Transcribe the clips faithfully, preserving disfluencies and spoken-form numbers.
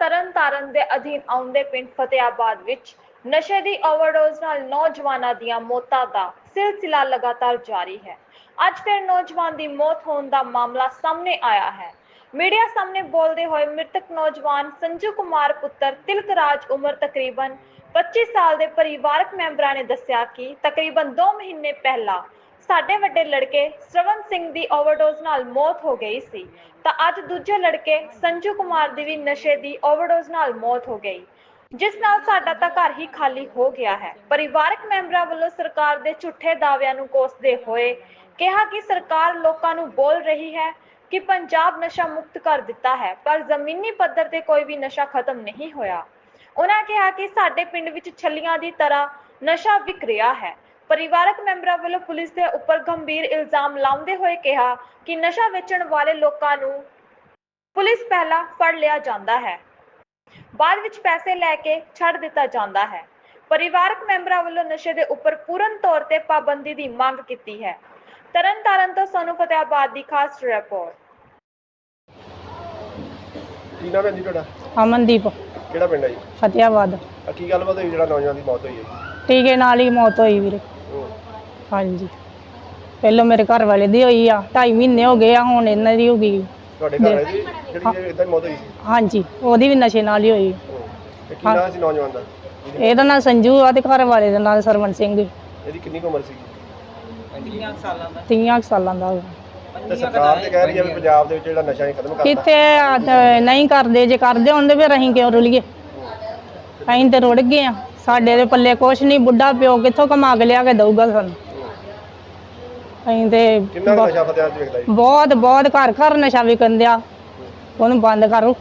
ਤਰਨਤਾਰਨ ਦੇ ਅਧੀਨ ਆਉਂਦੇ ਪਿੰਡ ਫਤਿਆਬਾਦ ਵਿੱਚ ਨਸ਼ੇ ਦੀ ਓਵਰਡੋਜ਼ ਨਾਲ ਨੌਜਵਾਨਾਂ ਦੀਆਂ ਮੌਤਾਂ ਦਾ ਸਿਲਸਿਲਾ ਲਗਾਤਾਰ ਜਾਰੀ ਹੈ। ਅੱਜ ਫਿਰ ਨੌਜਵਾਨ ਦੀ ਮੌਤ ਹੋਣ ਦਾ ਮਾਮਲਾ ਸਾਹਮਣੇ ਆਇਆ ਹੈ। मीडिया सामने बोलते हुए मृतक नौजवान संजू कुमार पुत्र तिलकराज उम्र तकरीबन पच्चीस साल के परिवारक मैंबरां ने दस्सिया कि तकरीबन दो महीने पहला साडे वड्डे लड़के श्रवण सिंह की ओवरडोज नाल मौत हो गई सी तां अज दूजे लड़के संजू कुमार की भी नशे की ओवरडोज नाल मौत हो गई, जिस नाल साडा तां घर ही खाली हो गया है। परिवारक मैंबरां वल्लों सरकार दे झूठे दाअविआं नूं कोसदे होए कहा कि सरकार लोकां नूं बोल रही है कि पंजाब नशा मुक्त कर दिता है, पर जमीनी पद्धर ते कोई भी नशा खत्म नहीं होया। उन्होंने कहा कि साडे पिंड विच छलियां दी तरह नशा विक रहा है। परिवारक मैंबरां वालों पुलिस के उपर गंभीर इल्जाम लाउंदे होए कहा कि नशा वेचण वाले लोकां नूं पुलिस पहला फड़ लिया जांदा है, बाद विच पैसे लैके छड़ दिता जांदा है। परिवारक मैंबरां वालों नशे के उपर पूर्ण तौर ते पाबंदी की मांग की है। तरनताਰਨ ਤੋਂ सोनू फतेहाबाद ਦੀ खास रिपोर्ट। ਕੀ ਨਾਮ ਹੈ ਜੀ ਤੁਹਾਡਾ? ਅਮਨਦੀਪ। ਕਿਹੜਾ ਪਿੰਡ ਹੈ ਜੀ? ਫਤਿਆਬਾਦ। ਆ ਕੀ ਗੱਲਬਾਤ ਹੋਈ ਜਿਹੜਾ ਨੌਜਵਾਨ ਦੀ ਮੌਤ ਹੋਈ ਹੈ ਜੀ? ਟੀਕੇ ਨਾਲ ਹੀ ਮੌਤ ਹੋਈ ਵੀਰੇ। ਹਾਂਜੀ, ਪਹਿਲਾਂ ਮੇਰੇ ਘਰ ਵਾਲੇ ਦੀ ਹੋਈ ਆ, ਢਾਈ ਮਹੀਨੇ ਹੋ ਗਏ ਆ, ਹੁਣ ਇਹਨਾਂ ਦੀ ਹੋ ਗਈ। ਤੁਹਾਡੇ ਘਰ ਵਾਲੇ ਦੀ ਜਿਹੜੀ ਇਦਾਂ ਮੌਤ ਹੋਈ ਸੀ? ਹਾਂਜੀ, ਉਹਦੀ ਵੀ ਨਸ਼ੇ ਨਾਲ ਹੀ ਹੋਈ। ਤੇ ਕੀ ਨਾਮ ਸੀ ਨੌਜਵਾਨ ਦਾ? ਇਹਦਾ ਨਾਂ ਸੰਜੂ ਆ ਤੇ ਘਰ ਵਾਲੇ ਦਾ ਨਾਂ ਸਰਵਣ ਸਿੰਘ। ਇਹਦੀ ਕਿੰਨੀ ਕੁ ਉਮਰ ਸੀ? ਤੀਹ ਸਾਲਾਂ ਦਾ। ਤੇ ਸਰਕਾਰ ਤੇ ਕਹਿ ਰਹੀ ਹੈ ਵੀ ਪੰਜਾਬ ਦੇ ਵਿੱਚ ਜਿਹੜਾ ਨਸ਼ਾ ਹੀ ਖਤਮ ਕਰਤਾ। ਕਿੱਥੇ ਨਹੀਂ ਕਰਦੇ, ਜੇ ਕਰਦੇ ਹੁੰਦੇ ਫਿਰ ਅਸੀਂ ਕਿਉਂ ਰੁਲੀਏ? ਅਸੀਂ ਤੇ ਰੁੜ ਗਏ ਆ, ਸਾਡੇ ਦੇ ਪੱਲੇ ਕੁਛ ਨਹੀਂ। ਬੁੱਢਾ ਪਿਓ ਕਿੱਥੋਂ ਕਮਾ ਕੇ ਲਿਆ ਕੇ ਦਊਗਾ ਸਾਨੂੰ? ਅਸੀਂ ਤੇ ਕਿੰਨਾ ਨਸ਼ਾ ਫਤਿਆਬਾਦ ਚ ਵਿਕਦਾ ਜੀ? ਬਹੁਤ ਬਹੁਤ ਘਰ ਘਰ ਨਸ਼ਾ ਵਿਕਣ ਦਿਆ, ਉਹਨੂੰ ਬੰਦ ਕਰੋ।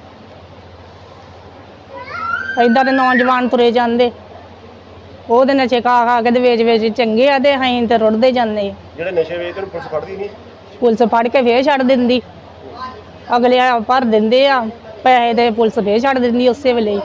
ਏਦਾਂ ਦੇ ਨੌਜਵਾਨ ਤੁਰੇ ਜਾਂਦੇ, ਉਹਦੇ ਨਸ਼ੇ ਖਾ ਖਾ ਕੇ ਤੇ ਵੇਚ ਵੇਚ ਚੰਗੇ ਆ ਤੇ ਅਸੀਂ ਤੇ ਰੁੜਦੇ ਜਾਂਦੇ। ਜਿਹੜੇ ਨਸ਼ੇ ਵੇਚਦੇ ਨੂੰ ਪੁਲਿਸ ਫੜਦੀ ਨਹੀਂ? ਪੁਲਿਸ ਫੜ ਕੇ ਫੇਰ ਛੱਡ ਦਿੰਦੀ, ਅਗਲੇ ਭਰ ਦਿੰਦੇ ਆ ਪੈਸੇ ਤੇ ਪੁਲਿਸ ਫੇਰ ਛੱਡ ਦਿੰਦੀ ਉਸੇ ਵੇਲੇ।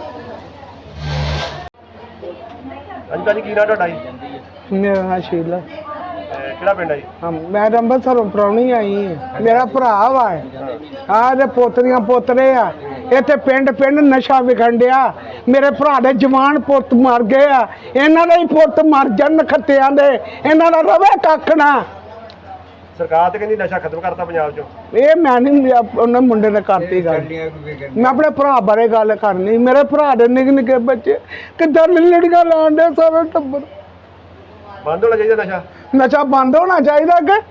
ਹਾਂਜੀ ਭਾਜੀ, ਕੀ ਨਾਮ ਤੁਹਾਡਾ ਜੀ? ਮੇਰਾ ਨਾਂ ਸ਼ੀਲਾ। ਕਿਹੜਾ ਪਿੰਡ ਹੈ ਜੀ? ਹਾਂ, ਮੈਂ ਅੰਮ੍ਰਿਤਸਰੋਂ ਪ੍ਰਾਹੁਣੀ ਆਈ ਹਾਂ। ਮੇਰਾ ਭਰਾ ਵਾ ਆਹ ਦੇ ਪੋਤਰੀਆਂ ਪੋਤਰੇ ਆ। ਇੱਥੇ ਪਿੰਡ ਪਿੰਡ ਨਸ਼ਾ ਵਿਖਣ ਡਿਆ। ਮੇਰੇ ਭਰਾ ਦੇ ਜਵਾਨ ਪੁੱਤ ਮਰ ਗਏ ਆ, ਇਹਨਾਂ ਦੇ ਹੀ ਪੁੱਤ ਮਰ ਜਾਣ ਖੱਤਿਆਂ ਦੇ, ਇਹਨਾਂ ਦਾ ਰਵੇ ਕੱਖ ਨਾ। ਸਰਕਾਰ ਤੇ ਕਹਿੰਦੀ ਨਸ਼ਾ ਖਤਮ ਕਰਤਾ ਪੰਜਾਬ ਚੋਂ। ਇਹ ਮੈਂ ਨਹੀਂ, ਉਹਨਾਂ ਮੁੰਡੇ ਨੇ ਕਰਤੀ ਗੱਲ। ਮੈਂ ਆਪਣੇ ਭਰਾ ਬਾਰੇ ਗੱਲ ਕਰਨੀ। ਮੇਰੇ ਭਰਾ ਦੇ ਨਿੱਕੇ ਨਿੱਕੇ ਬੱਚੇ ਕਿੱਦਾਂ ਲੜੀਆਂ ਲਾਉਣ ਦੇ, ਸਾਰਾ ਟੱਬਰ। ਬੰਦ ਹੋਣਾ ਚਾਹੀਦਾ ਨਸ਼ਾ। ਨਸ਼ਾ ਬੰਦ ਹੋਣਾ ਚਾਹੀਦਾ ਅੱਗੇ।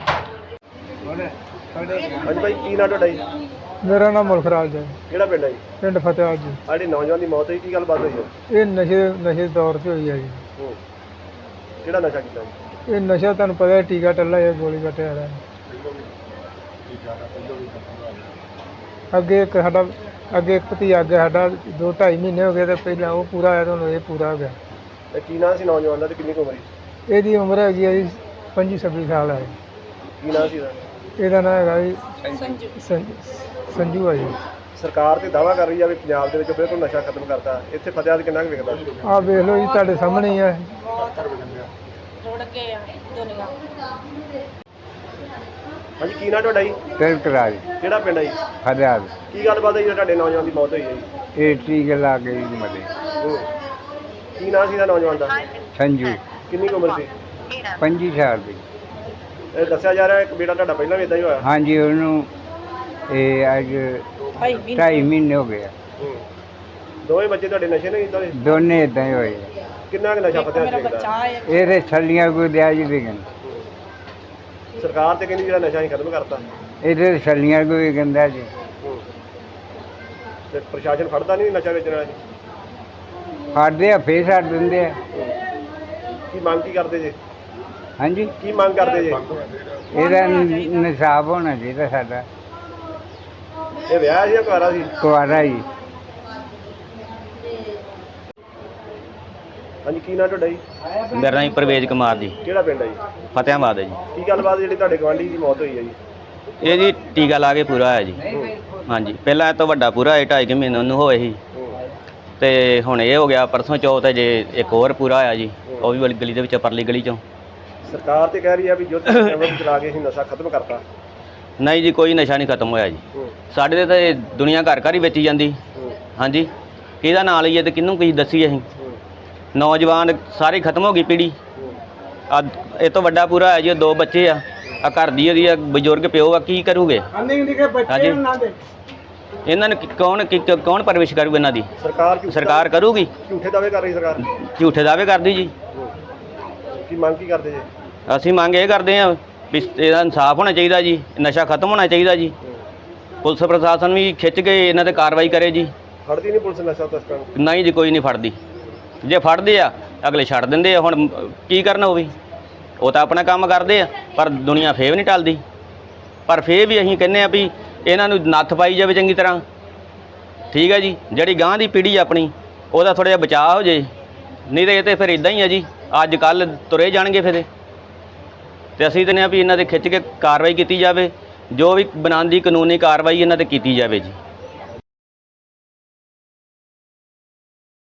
ਹਾਂਜੀ ਭਾਈ, ਕੀ ਨਾਮ ਤੁਹਾਡਾ ਜੀ? ਮੇਰਾ ਨਾਮ ਮੁਲਖਰਾਜ ਹੈ। ਕਿਹੜਾ ਪਿੰਡ ਹੈ ਜੀ? ਪਿੰਡ ਫਤਿਆਬਾਦ ਜੀ। ਆਹ ਜਿਹੜੀ ਨੌਜਵਾਨ ਦੀ ਮੌਤ ਹੋਈ, ਕੀ ਗੱਲਬਾਤ ਹੋਈ ਹੈ? ਇਹ ਨਸ਼ੇ ਨਸ਼ੇ ਦੌਰ 'ਤੇ ਹੋਈ ਹੈ ਜੀ। ਕਿਹੜਾ ਨਸ਼ਾ ਕੀਤਾ ਜੀ? ਇਹ ਨਸ਼ਾ ਤੁਹਾਨੂੰ ਪਤਾ ਹੈ, ਟੀਕਾ ਟੱਲਾ ਜਾਂ ਗੋਲੀ ਕੱਟਿਆ ਰਿਹਾ। ਅੱਗੇ ਇੱਕ ਸਾਡਾ ਅੱਗੇ ਇੱਕ ਭਤੀਜਾ ਅੱਗੇ ਸਾਡਾ ਦੋ ਢਾਈ ਮਹੀਨੇ ਹੋ ਗਏ ਤੇ ਪਹਿਲਾਂ ਉਹ ਪੂਰਾ ਹੋਇਆ, ਤੁਹਾਨੂੰ ਇਹ ਪੂਰਾ ਹੋ ਗਿਆ। ਤੇ ਕੀ ਨਾਮ ਸੀ ਨੌਜਵਾਨ ਦਾ ਤੇ ਕਿੰਨੀ ਕੁ ਉਮਰ ਸੀ? ਇਹਦੀ ਉਮਰ ਹੈਗੀ ਹੈ ਜੀ ਪੰਜੀ ਛੱਬੀ ਸਾਲ ਹੈ। ਕੀ ਨਾਮ ਸੀ ਇਹਦਾ? ਇਹਦਾ ਨਾਂ ਹੈਗਾ ਜੀ ਸੰਜੂ ਸੰਜੂ ਹੈ ਜੀ। ਸਰਕਾਰ ਤੇ ਦਾਅਵਾ ਕਰ ਰਹੀ ਆ ਵੀ ਪੰਜਾਬ ਦੇ ਵਿੱਚ ਬਿਲਕੁਲ ਨਸ਼ਾ ਖਤਮ ਕਰਤਾ। ਇੱਥੇ ਫਤਿਆਬਾਦ ਕਿੰਨਾ ਕੁ ਵਿਕਦਾ? ਆਹ ਵੇਖ ਲਓ ਜੀ, ਤੁਹਾਡੇ ਸਾਹਮਣੇ ਹੀ ਹੈ। ਹਾਂਜੀ, ਕੀ ਨਾਮ ਤੁਹਾਡਾ ਜੀ? ਤਿਲਕਰਾਜ। ਕਿਹੜਾ ਪਿੰਡ ਹੈ ਜੀ? ਫਤਿਆਬਾਦ। ਕੀ ਗੱਲਬਾਤ ਹੈ ਜੀ ਤੁਹਾਡੇ ਨੌਜਵਾਨ ਦੀ ਮੌਤ ਹੋਈ ਹੈ ਜੀ? ਇਹ ਟੀਕੇ ਲਾ ਕੇ ਜੀ ਮਰੇ। ਕੀ ਨਾਮ ਸੀ ਇਹਦਾ ਨੌਜਵਾਨ ਦਾ? ਸੰਜੂ। ਕਿੰਨੀ ਕੁ ਉਮਰ ਸੀ? ਪੰਜੀ ਸਾਲ ਦੀ। ਇਹ ਦੱਸਿਆ ਜਾ ਰਿਹਾ ਇੱਕ ਬੇਟਾ ਤੁਹਾਡਾ ਪਹਿਲਾਂ ਵੀ ਇਦਾਂ ਹੀ ਹੋਇਆ? ਹਾਂਜੀ, ਉਹਨੂੰ ਇਹ ਅੱਜ ਢਾਈ ਮਹੀਨੇ ਹੋ ਗਏ ਆ। ਦੋਵੇਂ ਬੱਚੇ ਤੁਹਾਡੇ ਨਸ਼ੇ ਨਹੀਂ ਇਦਾਂ ਦੇ? ਦੋਨੇ ਇਦਾਂ ਹੀ ਹੋਏ ਆ। ਕਿੰਨਾ ਕੁ ਨਸ਼ਾ ਫਤਿਆਬਾਦ ਵਿਕਦਾ? ਇਹਦੇ ਛੱਲੀਆਂ ਕੋਈ ਦਿਆ ਜੀ ਵਿਕਣ। ਸਰਕਾਰ ਤੇ ਕਹਿੰਦੀ ਜਿਹੜਾ ਨਸ਼ਾ ਹੀ ਖਤਮ ਕਰਤਾ। ਇਹਦੇ ਛੱਲੀਆਂ ਕੋਈ ਵਿਕਦਾ ਜੀ। ਤੇ ਪ੍ਰਸ਼ਾਸਨ ਫੜਦਾ ਨਹੀਂ ਨਸ਼ਾ ਵੇਚਣ ਵਾਲੇ? ਫੜਦੇ ਆ ਫੇਰ ਛੱਡ ਦਿੰਦੇ ਆ। ਕੀ ਮੰਗ ਕੀ ਕਰਦੇ ਜੇ? ਹਾਂਜੀ, ਕੀ ਮੰਗ ਕਰਦੇ ਜੇ? ਇਹਦਾ ਨਿਸ਼ਾਬ ਹੋਣਾ ਚਾਹੀਦਾ ਸਾਡਾ। ਇਹ ਵਿਆਹ ਸੀ ਜਾਂ ਕੁਆਰਾ ਸੀ? ਕੁਆਰਾ ਜੀ। ਹਾਂਜੀ, ਕੀ ਨਾਮ ਤੁਹਾਡਾ ਜੀ? ਮੇਰਾ ਨਾਮ ਪ੍ਰਵੇਜ ਕੁਮਾਰ ਜੀ। ਕਿਹੜਾ ਪਿੰਡ ਹੈ ਜੀ? ਫਤਿਆਬਾਦ ਹੈ ਜੀ। ਕੀ ਗੱਲਬਾਤ ਜਿਹੜੀ ਤੁਹਾਡੇ ਗਵਾਂਢੀ ਦੀ ਮੌਤ ਹੋਈ ਹੈ ਜੀ? ਇਹ ਜੀ ਟੀਕਾ ਲਾ ਕੇ ਪੂਰਾ ਹੋਇਆ ਜੀ। ਹਾਂਜੀ, ਪਹਿਲਾਂ ਇਹ ਤੋਂ ਵੱਡਾ ਪੂਰਾ ਹੋਇਆ, ਢਾਈ ਕੁ ਮਹੀਨੇ ਉਹਨੂੰ ਹੋਏ ਸੀ ਤੇ ਹੁਣ ਇਹ ਹੋ ਗਿਆ ਪਰਸੋਂ ਚੌਥ। ਜੇ ਇੱਕ ਹੋਰ ਪੂਰਾ ਹੋਇਆ ਜੀ, ਉਹ ਵੀ ਵਾਲੀ ਗਲੀ ਦੇ ਵਿੱਚ, ਪਰਲੀ ਗਲੀ ਚੋਂ। ਸਰਕਾਰ ਤੇ ਕਹਿ ਰਹੀ ਆ ਵੀ ਜੋ ਚਲਾ ਕੇ ਅਸੀਂ ਨਸ਼ਾ ਖਤਮ ਕਰਤਾ। ਨਹੀਂ ਜੀ, ਕੋਈ ਨਸ਼ਾ ਨਹੀਂ ਖਤਮ ਹੋਇਆ ਜੀ। ਸਾਡੇ ਤੇ ਤਾਂ ਇਹ ਦੁਨੀਆ ਘਰ ਘਰ ਹੀ ਵੇਚੀ ਜਾਂਦੀ। ਹਾਂਜੀ ਕਿਹਦਾ ਨਾਂ ਲਈਏ ਤੇ ਕਿਹਨੂੰ ਕੀ ਦੱਸੀਏ ਅਸੀਂ। ਨੌਜਵਾਨ ਸਾਰੀ ਖਤਮ ਹੋ ਗਈ ਪੀੜ੍ਹੀ। ਆ ਇਹ ਤੋਂ ਵੱਡਾ ਪੂਰਾ ਹੈ ਜੀ, ਦੋ ਬੱਚੇ ਆ, ਆ ਘਰ ਦੀ ਉਹਦੀ ਆ ਬਜ਼ੁਰਗ ਪਿਓ ਆ, ਕੀ ਕਰੂਗੇ ਨਿੱਕੇ ਨਿੱਕੇ ਬੱਚੇ ਹਾਂਜੀ। ਉਹਨਾਂ ਦੇ ਇਹਨਾਂ ਨੂੰ ਕਿ- ਕੌਣ ਕਿ- ਕਿ- ਕੌਣ ਪਰਵਿਸ਼ ਕਰੂਗਾ ਇਹਨਾਂ ਦੀ? ਸਰਕਾਰ ਝੂਠੇ ਸਰਕਾਰ ਕਰੂਗੀ। ਝੂਠੇ ਦਾਅਵੇ ਕਰ ਰਹੀ ਸਰਕਾਰ। ਝੂਠੇ ਦਾਅਵੇ ਕਰਦੀ ਜੀ। ਕੀ ਮੰਗ ਕੀ ਕਰਦੇ ਜੀ? ਅਸੀਂ ਮੰਗ ਇਹ ਕਰਦੇ ਹਾਂ ਵੀ ਇਹਦਾ ਇਨਸਾਫ ਹੋਣਾ ਚਾਹੀਦਾ ਜੀ, ਨਸ਼ਾ ਖਤਮ ਹੋਣਾ ਚਾਹੀਦਾ ਜੀ। ਪੁਲਿਸ ਪ੍ਰਸ਼ਾਸਨ ਵੀ ਖਿੱਚ ਕੇ ਇਹਨਾਂ ਤੇ ਕਾਰਵਾਈ ਕਰੇ ਜੀ। ਫੜਦੀ ਨਹੀਂ ਪੁਲਿਸ ਨਸ਼ਾ ਤਸਕਰਾਂ ਨੂੰ? ਨਹੀਂ ਜੀ, ਕੋਈ ਨਹੀਂ ਫੜਦੀ। ਜੇ ਫੜਦੇ ਆ ਅਗਲੇ ਛੱਡ ਦਿੰਦੇ ਆ। ਹੁਣ ਕੀ ਕਰਨਾ ਉਹ ਵੀ, ਉਹ ਤਾਂ ਆਪਣਾ ਕੰਮ ਕਰਦੇ ਆ, ਪਰ ਦੁਨੀਆ ਫੇਰ ਵੀ ਨਹੀਂ ਟਲਦੀ। ਪਰ ਫੇਰ ਵੀ ਅਸੀਂ ਕਹਿੰਦੇ ਆ ਵੀ ਇਹਨਾਂ ਨੂੰ ਨੱਥ ਪਾਈ ਜਾਵੇ ਚੰਗੀ ਤਰ੍ਹਾਂ, ਠੀਕ ਹੈ ਜੀ। ਜਿਹੜੀ ਗਾਂ ਦੀ ਪੀੜ੍ਹੀ ਆਪਣੀ ਉਹਦਾ ਥੋੜ੍ਹਾ ਜਿਹਾ ਬਚਾਅ ਹੋ ਜੇ, ਨਹੀਂ ਤਾਂ ਇਹ ਤਾਂ ਫਿਰ ਇਦਾਂ ਹੀ ਆ ਜੀ, ਅੱਜ ਕੱਲ੍ਹ ਤੁਰੇ ਜਾਣਗੇ ਫਿਰ। ਤੇ ਅਸੀਂ ਕਹਿੰਦੇ ਆ ਵੀ ਇਹਨਾਂ 'ਤੇ ਖਿੱਚ ਕੇ ਕਾਰਵਾਈ ਕੀਤੀ ਜਾਵੇ, ਜੋ ਵੀ ਬਣਾਉਣ ਦੀ ਕਾਨੂੰਨੀ ਕਾਰਵਾਈ ਇਹਨਾਂ 'ਤੇ ਕੀਤੀ ਜਾਵੇ ਜੀ।